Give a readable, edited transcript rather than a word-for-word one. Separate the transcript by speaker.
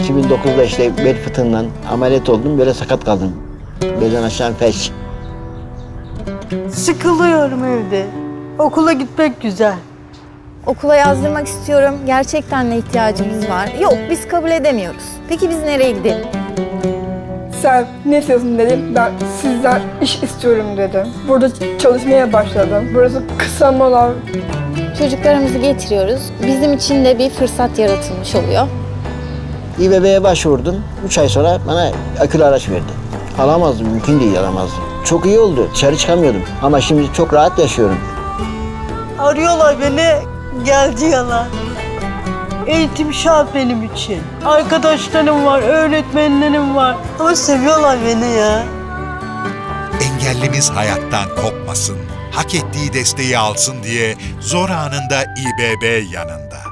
Speaker 1: 2009'da işte bel fıtığından ameliyat oldum. Böyle sakat kaldım. Belden aşağı felç.
Speaker 2: Sıkılıyorum evde. Okula gitmek güzel.
Speaker 3: Okula yazdırmak istiyorum. Gerçekten ne ihtiyacımız var? Yok, biz kabul edemiyoruz. Peki biz nereye gidelim?
Speaker 4: Sen ne istiyorsun dedim. Ben sizden iş istiyorum dedim. Burada çalışmaya başladım. Burası kısa mola.
Speaker 3: Çocuklarımızı getiriyoruz. Bizim için de bir fırsat yaratılmış oluyor.
Speaker 1: İBB'ye başvurdum. 3 ay sonra bana akülü araç verdi. Alamazdım, mümkün değil alamazdım. Çok iyi oldu, dışarı çıkamıyordum. Ama şimdi çok rahat yaşıyorum.
Speaker 2: Arıyorlar beni, gel diyorlar. Eğitim şart benim için. Arkadaşlarım var, öğretmenlerim var. Ama seviyorlar beni ya.
Speaker 5: Engellimiz hayattan kopmasın, hak ettiği desteği alsın diye zor anında İBB yanında.